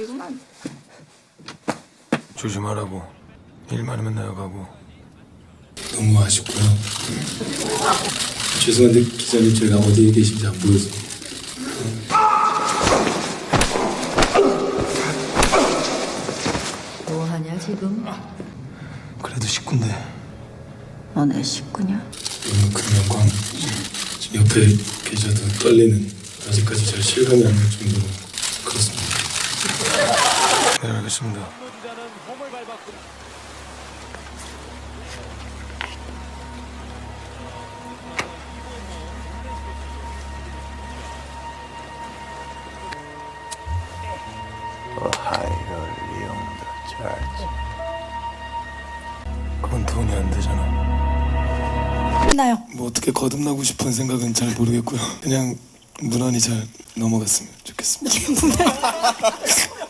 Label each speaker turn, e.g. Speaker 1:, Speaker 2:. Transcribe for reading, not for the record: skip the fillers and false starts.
Speaker 1: 이구만.
Speaker 2: 조심하라고. 일 많으면 내가 가고.
Speaker 3: 너무 아쉽고요. 죄송한데 기자님 제가 어디에 계신지 안 보여서.
Speaker 1: 뭐 하냐 지금?
Speaker 2: 그래도 식구인데.
Speaker 1: 너네 식구냐?
Speaker 3: 너무 큰 영광. 지금 옆에 계셔도 떨리는, 아직까지 잘 실감이 안 날 정도로 그렇습니다.
Speaker 2: 네, 알겠습니다. 그건 돈이 안 되잖아.
Speaker 4: 나요.
Speaker 3: 뭐 어떻게 거듭나고 싶은 생각은 잘 모르겠고요. 그냥 무난히 잘 넘어갔으면 좋겠습니다.